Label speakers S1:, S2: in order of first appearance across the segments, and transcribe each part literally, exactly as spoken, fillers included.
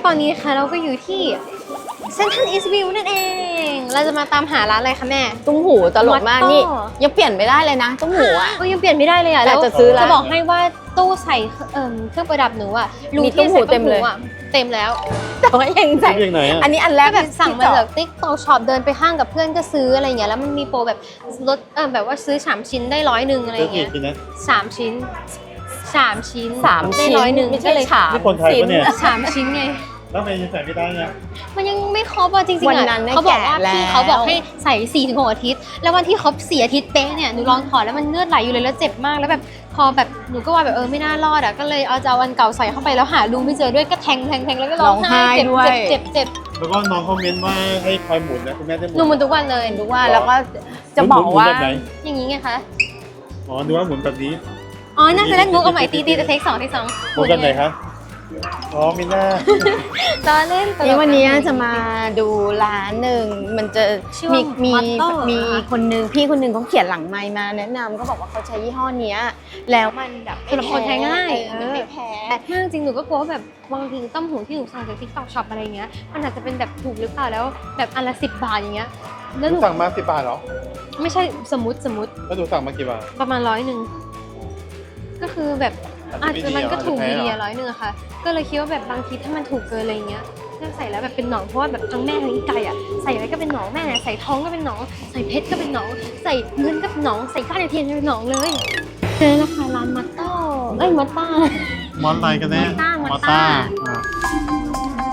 S1: อนนี้ค่ะเราก็อยู่ที่เซ็นทรัลอีสต์วิวนั่นเองเราจะมาตามหาร้านอะไรคะแม่
S2: ตุ้มหูตลกมากนี่ยังเปลี่ยนไม่ได้เลยนะตุ้มหูอ่ะ
S1: ก็ยังเปลี่ยนไม่ได้เลยอ่ะ
S2: แต่จะซื้อแล้ว
S1: จะบอกให้ว่าตู้ใส่เอ่อเครื่องประดับหนูอ่ะ
S2: มีตุ้มหูเต็มเลย
S1: เต็มแล้ว
S2: แต่ว่ายังใส่อันนี้อันแรก
S1: แบบสั่งมาจากติ๊กต็อกช็อปเดินไปห้างกับเพื่อนก็ซื้ออะไรเงี้ยแล้วมันมีโปรแบบลดเออแบบว่าซื้อสามชิ้นได้ร้อยหนึ่งอะไรเงี้ยสามชิ้นสามชิ้น
S2: สาม
S1: ได้
S2: ชิ้น
S1: ร้อยหนึ่ง
S2: ไม่ใช่ฉาบ
S3: นี่คนไทยปะเนี่ย
S1: สามชิ้นไง
S3: แล้วทำไมยังใส่ไม่ได้เนี่ย
S1: มันยังไม่ครบอ่ะจริงๆ
S2: วัน
S1: อ่ะ
S2: นั้นเนี่ย
S1: เขาบอกว่า
S2: แกะแล้ว
S1: พี่เขาบอกให้ใส่สี่ถึงหกอาทิตย์แล้ววันที่ครบสี่อาทิตย์เป๊ะเนี่ยหนูลองถอดแล้วมันเลือดไหลอยู่เลยแล้วเจ็บมากแล้วแบบพอแบบหนูก็ว่าแบบเออไม่น่ารอดอ่ะก็เลยเอาจะเอาอันเก่าใส่เข้าไปแล้วหารูไม่เจอด้วยก็แทงแทงแทงแล้วก็ร้องไห้เจ็บเจ็บเจ็บเจ็บ
S3: แล้วก็น้องคอมเมนต์ว่าให้คอยหมุนนะคุณแม่ได้หมุน
S1: หนูหมุนทุกวันเลย
S2: ทุกว่าแล้วก็จะบอกว่า
S3: หมุนแบบไหน
S1: อย่างนี้ไงคะ
S3: อ๋อนึกว่าหมุนแบบนี้
S1: อ๋อน่าจะเล่นมุกเอาใหม่ตีตีแต่เทคสองเทคสอง
S3: หมุนแบบไหนคะอ๋อมีหน้า
S1: ตอนเล่นตลก
S2: นี่วันนี้จะมาดูร้านหนึ่งมันจะ
S1: ชื่อว่า
S2: มี
S1: Motto
S2: มี
S1: เหรอคะ
S2: คนนึงพี่คนนึงเขาเขียนหลังไมค์มาแนะนำก็บอกว่าเขาใช้ยี่ห้อเนี้ยแล้วมันแบบไม่
S1: สำหรับคนใช้ง่าย
S2: เออมันไม่แพ้
S1: มากจริงหนูก็กลัวว่าแบบบางทีต้มหูที่หนูสั่งจากทิกตอกช็อปอะไรเงี้ยมันอาจจะเป็นแบบถูกหรือเปล่าแล้วแบบอันละสิบบาทอย่างเงี้ยแล้ว
S3: ห
S1: ห
S3: นู
S1: นู
S3: สั่งมาสิบบาทเหรอ
S1: ไม่ใช่สมมติสมมติ
S3: แล้วหนูสั่งมากี่บาท
S1: ประมาณร้อยหนึ่งก็คือแบบอาจจะมันก็ถูกดีอะร้อยหนึ่งอะค่ะ ก็เลยคิดว่าแบบบางทีถ้ามันถูกเกินอะไรเงี้ยเลือกใส่แล้วแบบเป็นหนองเพราะว่าแบบทั้งแม่ทั้งไก่อะใส่อะไรก็เป็นหนองแม่ใส่ทองก็เป็นหนองใส่เพชรก็เป็นหนองใส่เงินก็เป็นหนองใส่ก้านเทียนก็เป็นหนองเลยเจอแล้วค่ะร้านมัตโต้เอ้ยมัตต้าม
S3: อนอะไรกันแน่
S1: มอต้าม
S3: ม
S1: อ
S3: อ
S1: ต้า
S3: ต้าอ่า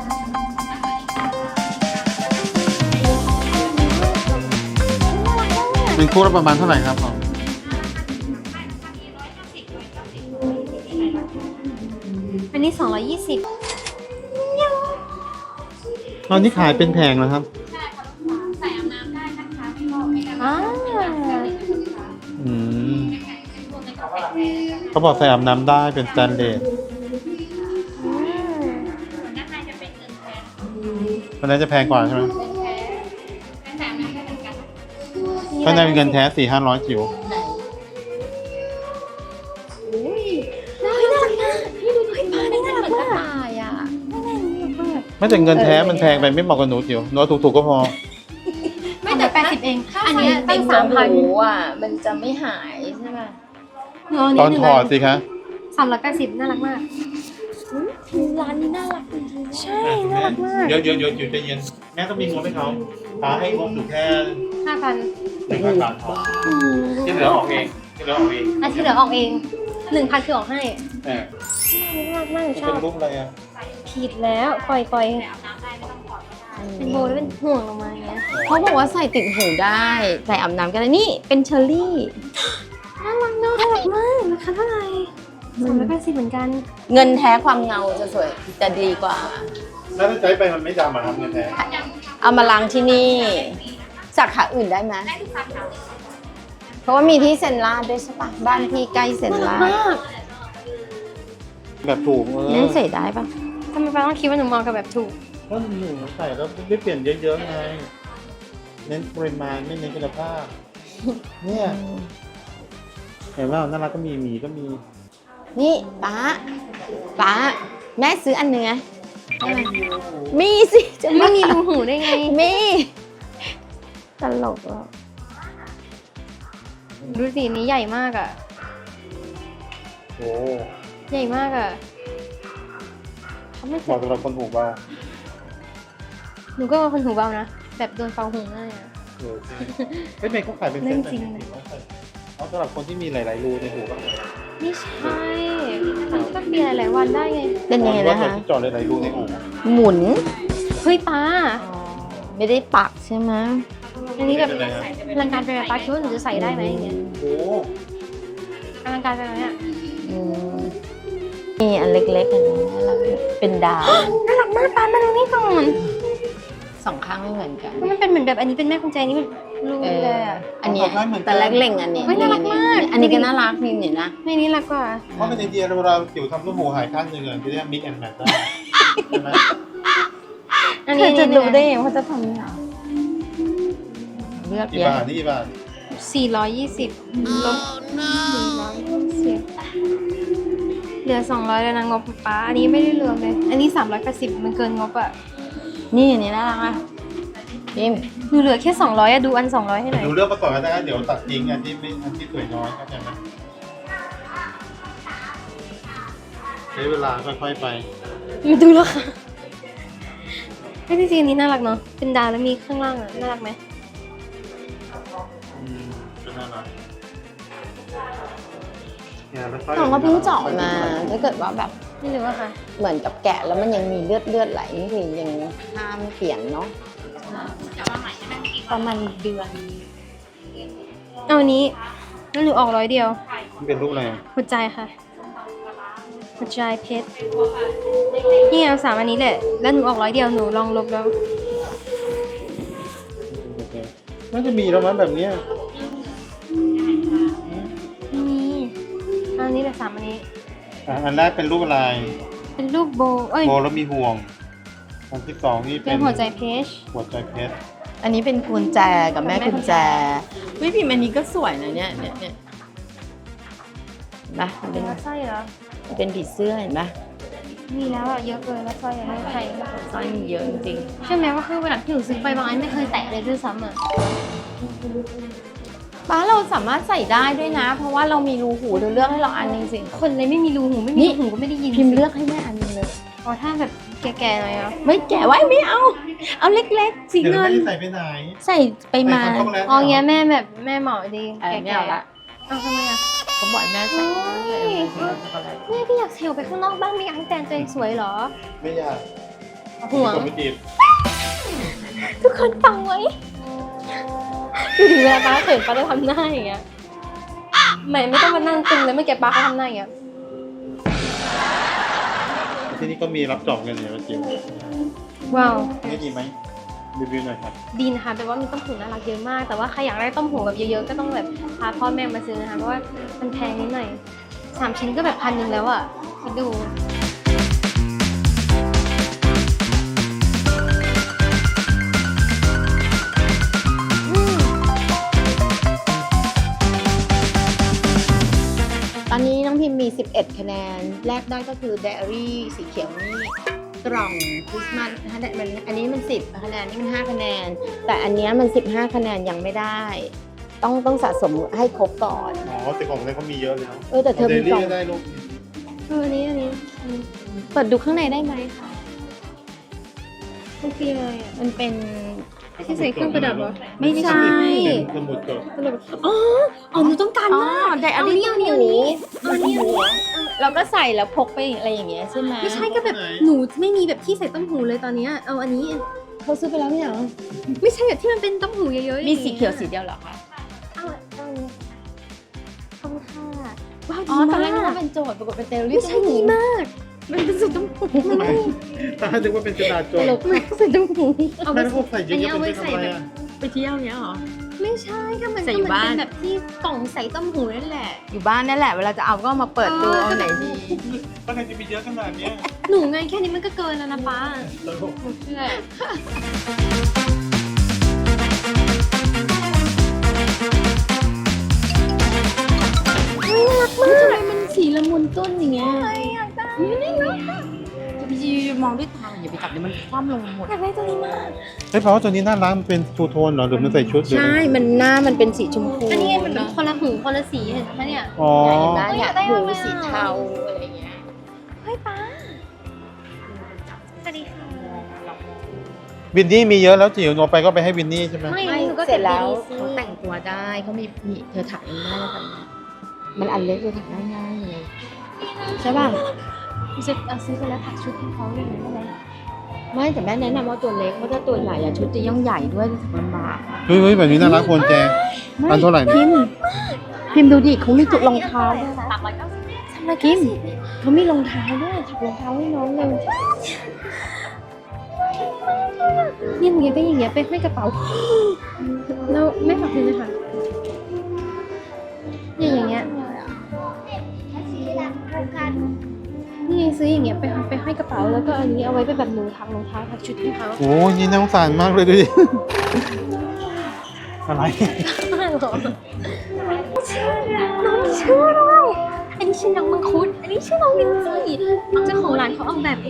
S3: เป็นคู่ละประมาณเท่าไหร่ครับผม
S1: อันนี้สองร้อยยี่สิบ
S3: ตอนนี้ขายเป็นแผงแล้วครับ
S1: อ่า
S3: อืมเขาบอกใส่อาบน้ำได้เป็นสแตนเลสอันนั้นจะแพงกว่าใช่ไหมถ้าในเป็นเงินแท้สี่ห้าร้อยจิ๋ว
S1: น่ารักมากพี่ดูดิป้านี่น่ารักมาก
S2: ตายอ่ะ
S3: ไม่แต่เงินแท้มันแพงไปไม่เหมาะกับหนูจิ๋วหนูเอาถูกๆก็พอ
S1: ไม่แต่แปดสิบเอง อันนี้ตั้งสามพัน
S2: อ่ะมันจะไม่หายใช่ไหม
S3: ตอนถอดสิคะ
S1: สามร้อยแปดสิบน่ารักมากร้านนี้น่ารักจริงๆใช่น่ารักมาก
S3: เดี๋ยวเดี๋ยวเดี๋ยวอยู่ใจเย็นแม่ต้องมีงบให้เขาป้าให้งบอยู่แค่
S1: ห้าพัน
S3: หนึ่งพันบาทพอที่เหลือออกเองที่เหลือออกเอง
S1: อันที่เหลือออกเองหนึ่งพันคือออกให้
S3: เออ
S1: น่ารักมากหนูช
S3: เป็
S1: อน บ
S3: รูปอะไรอ่ะ
S1: ผิดแล้วปล่อยปล่อยเป็นโบแล้วเป็นห่วงลงมาอย่างเงี้ย
S2: เขาบอกว่าใส่ติดหูได้ใส่อาบน้ำกันได้นี่เป็นเชอร์รี่
S1: น่ารักเนอะน่ารักมากราคาเท่าไหร่สามร้อยแปดสิบเหมือนกัน
S2: เงินแท้ความเงาจะสวยจะดีกว่า
S3: แล้วถ้าใช้ไปมันไม่ดำอ่ะครับเงินแท้
S2: เอามาล้างที่นี่สาขาอื่นได้ไหมเพราะว่ามีที่เซนลาดด้วยใช่ปะบ้านพี่ใกล้เซนลาด
S1: มาก
S3: แบบถูกเออ
S2: นั่นใส่ได้ปะ
S1: ทำไมป้าต้องคิดว่าหนูมองกับแบบถูก
S3: ก็หนูใส่แล้วไม่เปลี่ยนเยอะๆไงเน้นปริมาณไม่เน้นคุณภาพเนี่ยเห็นว่าน่ารักก็มีหมีก็มี
S2: นี่ป้าป้าแม่ซื้ออันเนื้อมีสิจะ
S1: ไม่มีรูหูได้ไง
S2: มีตลกอ่ะ
S1: ดูสิอันนี้ใหญ่มากอ่ะ
S3: โอ้
S1: ใหญ่มากอ่ะเขาไม่
S3: เหมาะสำหรับคนหูเบา
S1: หนูก็เป็นคนหูเบานะ แบบโดนเป่าหูง่ายอ่ะ
S3: เออใช่เฮ้ยเมย์เขาขายเป็นเซ็ต
S1: เรื่องจริง
S3: เขาสำหรับคนที่มีหลายๆรูในหูก็
S1: ไม่ใช่มันก็เปลี่ยนหลายๆวันได้ไง
S2: เป็นยังไงนะคะ
S3: ที่เจอดหลายๆรูในหู
S2: หมุน
S1: เฮ้ยป้า
S2: ไม่ได้ปักใช่ไหม
S1: อันนี้แบบ
S3: เป็นไรฮะ
S1: อลังการไปไหมป้าคิดว่าหนูจะใส่ได้ไหมอย่างเงี้ย
S3: โอ้
S1: อลังการไปไหมอ่ะ
S2: อืมมีอันเล็กๆอันนี้น่ารักเป็นดาว
S1: น่ารักมากป้ามาดูนี่ก่อน
S2: สองข้างไม่เหมือนกัน
S1: มันเป็นเหมือนแบบอันนี้เป็นแม่กุญแจนี่มันรู
S2: เอ
S1: เล
S2: อย
S1: อ่ะ
S2: อันเนี้ยแต่แรกเล่งอันนี้
S1: เฮ้ยน่ารักมาก
S2: อันนี้ก็น่ารักนี่เนี่ยนะ
S1: ไม่นี่รักกว่า
S3: เพราะเป็นไอเดียเวลาจิ๋วทำลูกหูหายข้างหนึ่งอ่ะที่เรียกมิกแอนด์แมทได้ใช่ไหม
S1: อัน
S2: เธ
S1: นี้
S2: อจะรู้ได้ยังว่าจะทำยังไงเลือก
S3: กี่
S2: เยอะ
S3: บาทนี่กี่บาท
S1: สี่ร้อยยี่สิบลดสี่ร้อยยี่สิบเหลือสองร้อยแล้วนะงบป๊าอันนี้ไม่ได้รวมเลย อันนี้สามร้อยแปดสิบมันเกินงบอ่ะ
S2: นี่อันนี้น่ารักอ่ะพิมพ์
S1: หนูเหลือแค่สองร้อยอะดูอันสองร้อยให้หน่อย
S3: ดูเลือกมาก่อนก็ได้เดี๋ยวตัดทิ้งอันที่ไม่อันที่สวยน้อยเข้าใจไหมใช้เวลาค่อยๆไป
S1: ดูแล้วค่ะไม่จริงๆอันนี้น่ารักเนาะ เป็นดาวแล้วมีข้างล่างอ่ะ น่ารักไหม
S3: อืมก็น่ารักเนี่ยแล้วค่อย
S2: น้องก็เพิ่งเจาะมาถ้าเกิดว่าแบบ
S1: ไม่รู้อะค่ะ
S2: เหมือนกับแกะแล้วมันยังมีเลือดเลือดไหลนี่คือยังห้ามเปลี่ยนเนาะประมาณเดือน
S1: เอาอันนี้แล้วหนูออกร้อยเดียว
S3: มันเป็นรูปอะไรอ่ะ
S1: หัวใจค่ะ หัวใจเพชร นี่ไงเอาสามอันนี้แหละ แล้วหนูออกร้อยเดียวหนูลองลบแล้ว
S3: โอเคน่าจะมีแล้วมั้งแบบเนี้ย
S1: มีเอาอันนี้แหละสามอันนี้
S3: อ่ะอันแรกเป็นรูปอะไร
S1: เป็นรูปโบว์เอ้ย
S3: โบแล้วมีห่วงอันที่สองนี่
S1: เป็
S3: เป็น น
S1: หัวใจเพชร
S3: หัวใจเพชร
S2: อันนี้เป็นกุญแจกับแม่
S1: แม่กุ
S2: กุญ
S1: ญ
S2: แจ
S1: แจ
S2: วิพิมพ์อันนี้ก็สวยนะเนี่ยเนี่ยเนี่ยนะมัน
S1: เป็
S2: เป็น น
S1: สร้อยเหรอ
S2: มันเป็นผีเสื้อเห็นไหม
S1: มีแล้วอะเยอะเกินแล้วสร้อยอะไม่ใคร
S2: สร้อยมีเยอะจริง
S1: ใช่ไหมว่าคือเวลาที่หนูซื้อไปบางอันไม่เคยแตะเลยด้วยซ้ำอะ
S2: ๆป้าเราสามารถใส่ได้ด้วยนะ เพราะว่าเรามีรูหูเดี๋ยวเลือกให้เราอันหนึงสิ
S1: คนเลยไม่มีรูหูไม่มี
S2: นี่
S1: รูหูก็ไม่ได้ยิน
S2: พิมพ์เลือกให้แม่อันหนึงเลย
S1: อ๋อถ้าแบบแก่ๆหน่อยอ่ะ
S2: ไม่แกะไว้ไม่เอา เอาเล็กๆสี
S3: เดี๋ยว
S2: เงิ
S3: ไม่
S2: น
S3: ได้ใส่ไปไหน
S2: ใส่ไปมา
S3: ใส่ของเขาแล้ว
S1: อ๋อเงี้ยแม่แบบแม่เหมาะดี
S2: เออ
S1: แก่
S2: ไม่เอาละ
S1: ๆเอาทำไมอ่ะ
S2: เขาบอกให้แม่ใส่
S1: โอ้ย แม่พี่อยากเซลไปข้างนอกบ้างไม่อยากให้แตนตัวเองสวยเหรอ
S3: ไม่อยาก
S1: ห่วง
S3: ผมไม่จีบ
S1: ทุกคนฟังไว้ดูถึงเวลาป้าเขินป้าจะทำหน้าอย่างเงี้ยไม่ไม่ต้องมานั่งตึงเลยเมื่อกี้ป้าเขาทำหน้าอย่างเงี้ย
S3: ที่นี่ก็มีรับจอบเงินเนี่ยมาจิ๋ว
S1: ว้าว
S3: นี่ดีไหมรีวิวหน่อยครับ
S1: ดีนะคะแปลว่ามีต้มหูน่ารักเยอะมาก แต่ว่าใครอยากได้ต้มหูแบบเยอะๆก็ต้องแบบพาพ่อแม่มาซื้อนะคะเพราะว่ามันแพงนิดหน่อยสามชิ้นก็แบบพันหนึ่งแล้วอ่ะคิดดู
S2: ตอนนี้น้องพิมพ์มีสิบเอ็ดคะแนน แรกได้ก็คือไดอารี่สีเขียวนี่กล่องคริสต์มาสคะแนนมันอันนี้มันสิบคะแนนนี่มันห้าคะแนน แต่อันเนี้ยมันสิบห้าคะแนนยังไม่ได้ ต้องต้องสะสมให้ครบก่อน
S3: อ๋อแต่ของเล่นเขามีเยอะเลยเนาะ
S2: เออแต่เธอมี
S3: ดลี่
S2: กล่อง
S3: ก็ได้ลูก
S1: เอออันนี้อันนี้อันนี้
S2: เปิดดูข้างในได้ไหมคะ
S1: มันคืออะไรอ่ะ
S2: มันเป็น
S1: ที่ใส่เครื่องประดับเหรอ
S2: ไม่ใช่
S3: เป็นสมุดจด
S1: สรุปอ๋ออ๋อหนูต้องการ
S2: อ๋อ
S1: มาก
S2: ไดอารี่
S1: เอานี้เอานี้เอานี้เอานี้
S2: เราก็ใส่แล้วพกไปอะไรอย่างเงี้ยใช่ไหม
S1: ไม่ใช่ก็แบบหนูไม่มีแบบที่ใส่ต้มหูเลยตอนเนี้ยเอาอันนี้
S2: เขาซื้อไปแล้วไม่เหรอ
S1: ไม่ใช่แบบที่มันเป็นต้มหูเยอะๆ
S2: มีสีเขียวสีเดียวเหรอคะ
S1: เอาเอาอันนี้ขอบคุณค่ะว้าว
S2: อ๋อ
S1: ดี
S2: ตอนแร
S1: มาก
S2: นึกว่าเป็นโจทย์ปรากฏเป็นเตลลี่
S1: ไม่ใช่ดีมาก มันเป็นสีต้มหูมันไม่
S3: ถ้านึกว่าเป็นกระดาษจ
S2: ต
S3: ด
S2: ลก
S1: ไม่ใส่ต้มหูเอาไป
S3: ไม่ต้องใส่เย
S1: อันนี้
S3: อะ
S1: เอา
S3: ๆ
S1: ไว้
S3: เป็นไป
S1: ใส่
S3: ทำไม
S1: แบบ
S3: อ่ะ
S2: ไปเที่ยวเนี้ยเหรอ
S1: ไม่ใช่ก็มัน
S2: ใส่
S1: ก็
S2: อยู่
S1: มัน
S2: บ้าน
S1: เป็นแบบที่กล่องใส่ต้มหูนั่นแหละ
S2: อยู่บ้านนั่นแหละ เวลาจะเอาก็มาเปิดดู
S1: เออ
S2: เอาไหนดี
S3: ตั้งใจจะมีเยอะขนาดเนี้ย
S1: หนูไงแค่นี้มันก็เกินแล้วนะป้า
S3: ตลก
S1: หนูเชื่อ
S2: ทำไมมันสีละมุนต้นอย่างเงี้ยอยากได้นี่เนาะจะไปยืนมองด้วยตาอย่าไปจับเดี๋ยวมันคว่ำลงหมด
S1: อยากได้ตัวนี้มาก
S3: เฮ้ยเพราะว่าตัวนี้น่ารักมันเป็นทูโทนเหรอหรือมันใส่ชุดหรือ
S2: ใช่ มันหน้ามันเป็นสีชมพู
S1: อันนี้ไงมันแบบคนละหูคนละสีเห็นไหมเนี่ย
S3: อ๋อ
S2: เห็นไหมเนี่ย
S1: อยากได้
S2: หู
S1: มากเลยอะ
S2: สีเทาอะไรเงี้ย
S1: เฮ้ยป้าสวัสดีค่ะ
S3: วินนี่มีเยอะแล้วจิ๋วหนูเอาไปก็ไปให้วินนี่ใช่ไหม
S1: ไม่
S2: ไม่
S1: หนูก็
S2: เสร็จแล้ว
S1: ก็บดีๆสิ
S2: เขาแต่งตัวได้เขามีมีเธอถักเองได้แล้วกันมันอันเล็กเลยถักได้ง่ายเลยใช่ป่ะ
S1: หนูจะเอาซื้อไปแล้วถักชุดให้เขาเลยได้ไหม
S2: ไม่แต่แม่แนะนำว่าตัวเล็กเพราะถ้าตัวใหญ่อะชุดจะย่องใหญ่ด้วยจะถักลำบาก
S3: เฮ้ยเฮ้ยแบบนี้น่ารักควรแจ อันเท่าไหร่เนี่ย
S2: พิมพ์พิมพ์ดูดิเขามีจุดรองเท้าด้วยนะ
S1: สามร้อยเก้าสิบ
S2: ทำไมกิมเขามีรองเท้าด้วยถักรองเท้าให้น้องเลย
S1: เนี่ยหนูอยากได้อย่างเงี้ยไปห้อยกระเป๋าแล้วไม่ฝากคืนเลยค่ะเนี่ยอย่างเงี้ยนี่ไงซื้ออย่างเงี้ยไปไปห้อยกระเป๋าแล้วก็อันนี้เอาไว้เป็นแบบหนูทักรองเท้าทักชุดให้เขา
S3: โอ้ยนี่น่าสงสารมากเลยดูดิ อะไร
S1: ไม่หรอน้องเชื่อด้วยอันนี้ชื่อน้องมังคุดอันนี้ชื่อน้องลินซี่เจ้าของร้านเขาออกแบบเอง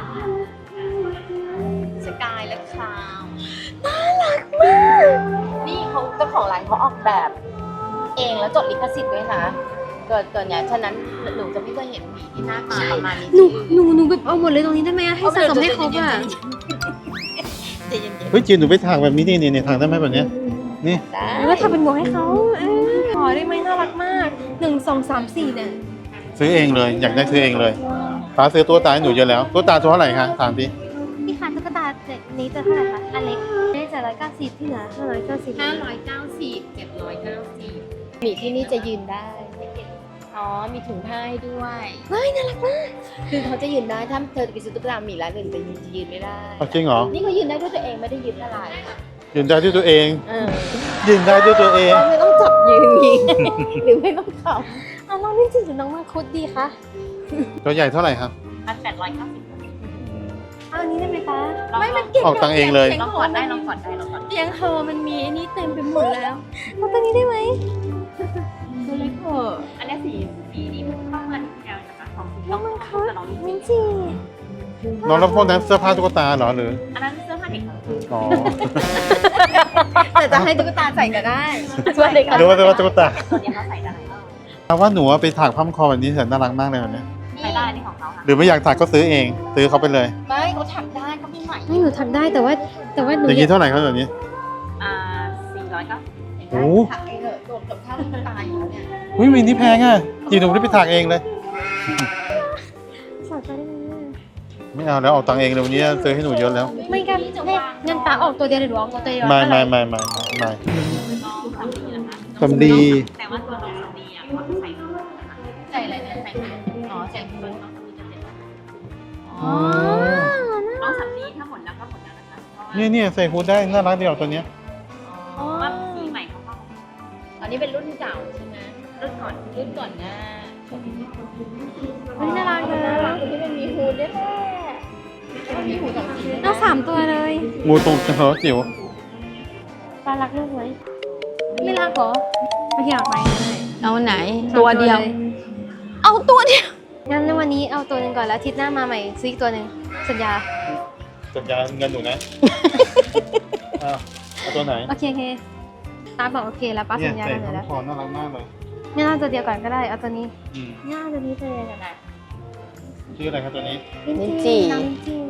S2: สกายและคลาว
S1: น่ารักมาก
S2: นี่เขาเจ้าของร้านเขาออกแบบ เองแล้วจดลิขสิทธิ์ด้วยนะเกิดเกิดเนี่ยฉะนั้นหนูจะไม่เคยเห็นหมีที่หน้าตาประมาณนี้
S1: หนูหนูหนูแบบเอาหมดเลยตรงนี้ได้ไหมอะให้สะสมให้ครบอ่ะ
S2: ใจเย็น
S3: เฮ้ยจีนหนูไปถากแบบนี้นี่นี่ถากได้ไหมแบบเนี้ยนี่
S2: ๆได้
S1: แล้วทำเป็นหมวกให้เขาเออขอได้ไหมน่ารักมากหนึ่งสองสามสี่เนี่ย
S3: ซื้อเองเลย อยากได้ซื้อเองเลยป้าซื้อตัวตาให้หนูเยอะแล้วตัวตาตัวเท่าไหร่คะถามดิ
S1: พี่คะตุ๊กตาเจ็ดนี้จะเท่าไหร่คะอันเล็กได้จะร้อยเก้าสิบที่เหลือห้าร้อยเก้าสิบ
S2: ห้าร้อยเก้าสิบเจ็ดร้อยเก้าสิบหมีที่นี่จะยืนได้ อ๋อ มีถุงผ้าให้ด้วย
S1: เฮ้ยน่ารักมาก
S2: คือเขาจะยืนได้ ถ้าเธอไปซื้อตุ๊กตาหมีร้านอื่นจะยืนจะยืนไม่ได้
S3: เอาจริงเหรอ
S2: นี่เขายืนได้ด้วยตัวเองไม่ได้ยืนอะไร
S3: ยืนได้ด้วยตัวเอง
S2: เออ
S3: ยืนได้ด้วยตัวเอง
S2: เราไม่ต้องจับยืนอย่างนี้หรือไม่ต้องขับ
S1: อ่ะน้องนี่จริงหรือน้องมังคุดดีคะ
S3: ตัวใหญ่เท่าไหร่ครับ
S2: พันแปดร้อยเก้าสิบ
S1: เอาอันนี้ได้ไหมคะ
S2: ไม่มันเก่ง
S3: ออกตังค์เองเลย
S2: ลองกดได้ลองกดได้ลองกด
S1: เตียงเฮอมันมีอันนี้เต็มไปหมดแล้วเอาตัวนี้ได้ไหม
S2: ดูเล็กเถอะ
S4: อันนี้สีสีนี้มันเข้ามาที่แอลนะคะของสี
S1: น้องมังคุด
S4: แต่น้องลิน
S1: มิ
S4: ซี่
S1: นจี
S3: น้องรับพวกนั้นเสื้อผ้าตุ๊กตาเหรอหรือ
S4: อันนั้นเสื้อผ้าเด็กค่ะ
S3: อ๋อ
S2: แต่จะให้ตุ๊กตาใส่ก็ได้ส่วนเด็ก
S3: หรือว่าเสื้อผ้าตุ๊กตา
S4: ตัวนี้เขาใส่ได้
S3: ถามว่าหนูไปถากผ้าพันคอแบบนี้แสนน่ารักมากเลยแบบเนี้ย
S4: ใส่ได้นี่ของเขาค่ะ
S3: หรือไม่อยากถากก็ซื้อเอง ซื้อเขาไปเลย
S2: ไม่เขาถักได้เขามีใหม่
S1: ไม่หนูทำได้แต่ว่าแต่ว่าหนู
S3: อย่าง
S1: อ
S3: นี้
S1: ยาก
S3: เท่าไหร่ครับแบบนี้
S4: อ่าสี่ร้อยเก้าสิบ
S3: โอ้
S2: ถักเองเถอะโดดกับท่าตุ๊กตาอยู่แล้วเนี่ย
S3: หุ้ยมีนี่แพงอ่ะจีนหนูได้ไปถากเองเลย
S1: สอนไปได้ไหม
S3: ไม่เอาแล้วเอาตังค์เองเลยวันนี้ซื้อให้หนูเยอะแล้ว
S1: ไม่กันให้เงินตาออกตัวเดียวหรือหนูออกตัวเดียว
S3: ไม่ไม่ไม่ไม่ไม่
S4: น้องสามีนะคะ
S3: สำลี
S4: แต่ว่าตัวน้องสามีอ่ะเขาจะใส่ถุงนะคะ
S2: ใส่อะไรเนี่ยใส่ไหน
S4: อ๋อใส่ถุงน้องสามีจะเจ็ด
S1: อ๋อ
S4: น้องสามีถ้าหมดแล้วก็หมดแล้วนะคะเพราะว่า
S3: เนี่ยเนี่ยใส่ฮูดได้น่ารักเดียวตัวเนี้ย
S4: เพราะว่าสีใหม่เขาเข้า
S2: อันนี้เป็นรุ่นเก่าใช่ไหม
S4: รุ่นก่อน
S2: รุ่นก่อนหน้า
S1: อันนี้น่ารักนะ
S2: น่ารักที่มันมีฮูดด้วยแหละมันมีฮูดสองสี
S1: เอาสามตัวเลย
S3: งูตรงเหรอจิ๋ว
S1: ปลารักลูกไหมไม่รักเหรอไม่อยากไปเลย
S2: เอาไหน
S1: สามล
S2: เอาตัวเดียว
S1: งั้นในวันนี้เอาตัวหนึ่งก่อนแล้วอาทิตย์หน้ามาใหม่ซื้ออีกตัวหนึ่งสัญญา
S3: สัญญาเงินหนูนะอ้าวเอาตัวไหน
S1: โอเคโอเคป้าบอกโอเคแล้วป้า
S3: เนี่ย
S1: สัญญา
S3: ใส่
S1: กันเลย
S3: ผ้า
S1: แล้ว
S3: คอน่ารักมากเลย
S1: ไม่น่าตัวเดียวก่อนก็ได้เอาตัวนี้
S3: อืม
S1: ง่ายตัวนี้ตัวเดียวกันนะ
S3: ชื่ออะไรครับตัวนี้
S2: ลิ้นจี่
S1: น้องลิ้นจี่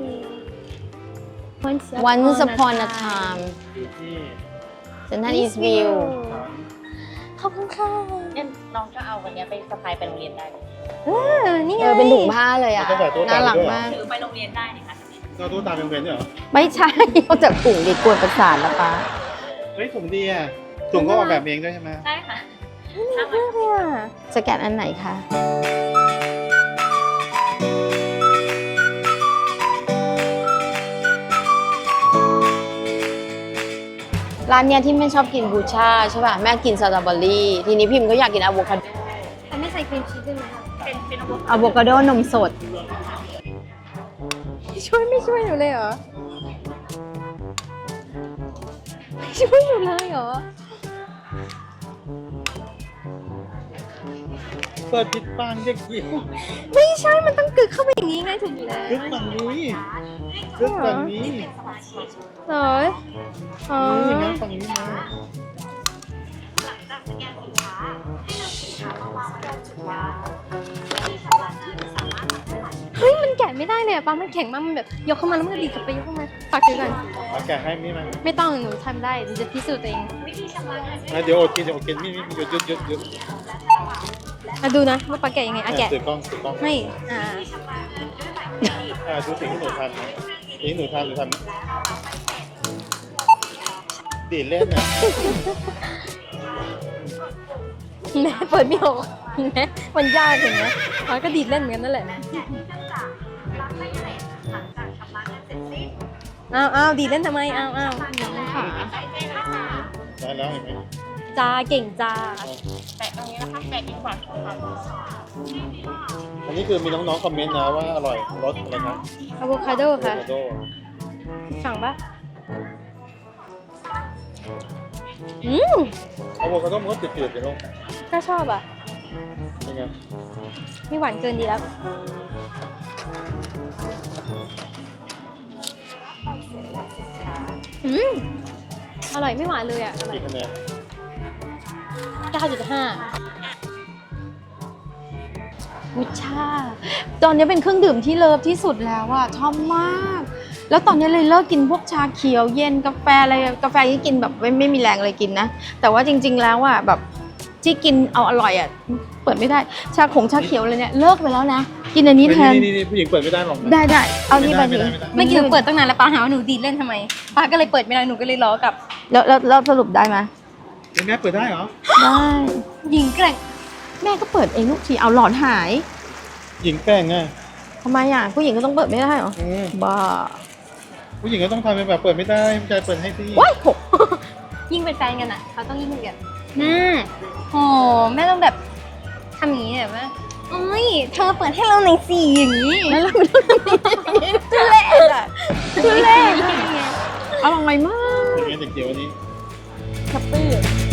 S2: Once upon a time
S3: ที่
S2: Central East View
S1: ขอบคุณค่ะ
S4: เนี่ยน้องก็เอาวันนี้ไปสะพายไปโรงเรียนได้เลย
S1: เออนี่ไง
S2: เออเป็นถุงผ้าเลยอ่ะ
S3: ต้องใส่ตัวตา
S2: น่ารัก
S3: ด้วยเหรอ
S2: มาก
S4: ถือไปโรงเรียนได้นะคะ
S3: เราตัวตาเป็นเว้นด้วยเหรอ
S2: ไม่ใช่ เอาจากถุงดิกวนประสาทแล้วป้า
S3: เฮ้ยถุงดีอ่ะถุงก็ออกแบบเองด้วยใช่ไหม
S4: ใช่ค่ะ
S1: น่ารักมากเลยอ่ะ
S2: สแกนอันไหนคะร้านเนี้ยที่แม่ชอบกินบูชาใช่ป่ะแม่กินสตรอเบอรี่ ทีนี้พิมพ์ก็อยากกินอะโวคาโด
S1: แต่ไม่ใส่ครีมชีสด้วยไหมคะ
S4: เป็นเป็น
S2: อะโวคาโดนมสด
S1: ช่วยไม่ช่วยหนูเลยเหรอไม่ช่วยหนูเลยเหรอ
S3: เปิดผิดปางเด็กหญิง
S1: ไม่ใช่มันต้องกึกเข้าไปอย่างนี้ไงถูกแล้ว
S3: ลึกฝั่งนี้ลึกฝั่งนี้
S1: เหรออ๋อ
S3: นี่นะฝั่งนี้นะ
S1: เฮ้ยมันแกะไม่ได้เลยอะป้ามันแข็งมากมันแบบยกเข้ามาแล้วมันก็ดีดกลับไปยกเข้ามาฝากถือก่อน
S3: เอาแกะให้นี่ไหม
S1: ไม่ต้องหนูทำได้หนูจะพิสูจน์ตัวเอง
S3: อ่ะเดี๋ยวอดกินเดี๋ยวอดกินนี่นี่หยุดหยุดหยุดหยุด
S1: อ่ะดูนะว่าป้าแกะยังไงอ่ะแกะ
S3: ถือกล้องถือกล้อง
S1: ให้อ่า
S3: อ่าดูสิ่งที่หนูทำนะสิ่งที่หนูทำหนูทำดีดเล่นอ่ะ
S1: แม่เปิดไม่ออกแม่มันยากเห็นไหมป้าก็ดีดเล่นเหมือนกันนั่นแหละอ้าวอ้าวดีดเล่นทำไมอ้าวอ้าวน้องขา
S3: ได้แล้วเห็นไหม
S1: จาเก่งจ้า
S4: แปะตรงนี้นะคะแปะดีกว่าค่ะ
S3: อันนี้คือมีน้องๆคอมเมนต์นะว่าอร่อยรสอะไรนะ
S1: อะโวคาโด
S3: โอ
S1: ค่ะ
S3: โวคาโด
S1: สั่งปะอืม
S3: อะโวคาโดมันก็จืดๆไปลูก
S1: ก็ชอบอ่ะ
S3: เป็นไงไง
S1: ไม่หวานเกินดีแล้วอืมอร่อยไม่หวานเลยอ่ะอร่อย
S3: กี่คะแนน
S1: เก้าจุดห้าวุชา
S2: ตอนนี้เป็นเครื่องดื่มที่เลิฟที่สุดแล้วอะชอบมาก แล้วตอนนี้เลยเลิกกินพวกชาเขียวเย็นกาแฟอะไรกาแฟที่กินแบบไม่ไม่มีแรงเลยกินนะ แต่ว่าจริง ๆ แล้วอะแบบที่กินเอาอร่อยอะเปิดไม่ได้ชาขงชาเขียวอะไรเนี่ยเลิกไปแล้วนะ กินอันนี้แทน
S3: นี่นี่ผู้หญิงเปิดไม่ได้หรอกนะ
S2: ได้ได้เอานี่ไป
S3: ไม่
S2: ดิ
S3: ได้ไม่ได้
S1: เมื่อกี้หนูเปิดตั้งนานแล้วป้าหาว่าหนูดีดเล่นทำไมป้าก็เลยเปิดไม่ได้หนูก็เลยล้อกลับ
S2: แล้วแล้วแล้วสรุปได้ไหม
S3: เป็นแม่เปิดได้เหรอ
S2: ได้
S1: หญิงแกร่ง
S2: แม่ก็เปิดเองทุกทีเอาหลอดหาย
S3: หญิงแกล้งไง
S2: ทำไมอะผู้หญิงก็ต้องเปิดไม่ได้เหรอ
S3: อืม
S2: บ้า
S3: ผู้หญิงก็ต้องทำเป็นแบบเปิดไม่ได้ผู้ชายเปิดให้สิ
S2: ว้ายหก
S1: ยิ่งเป็นแฟนกันอ่ะเขาต้องยิ่งเป็นกันอืมโอ้แม่ต้องแบบทำอย่างนี้แบบว่าโอ้ยเธอเปิดให้เราหน่อยสิอย่างนี้
S2: แล้วเราไม่ต้องทำอย่างนี้ทุเรศอะทุเรศอะอร่อยมาก
S3: อย่างเงี้ยเด็กเดียวอันนี้
S2: แฮปปี้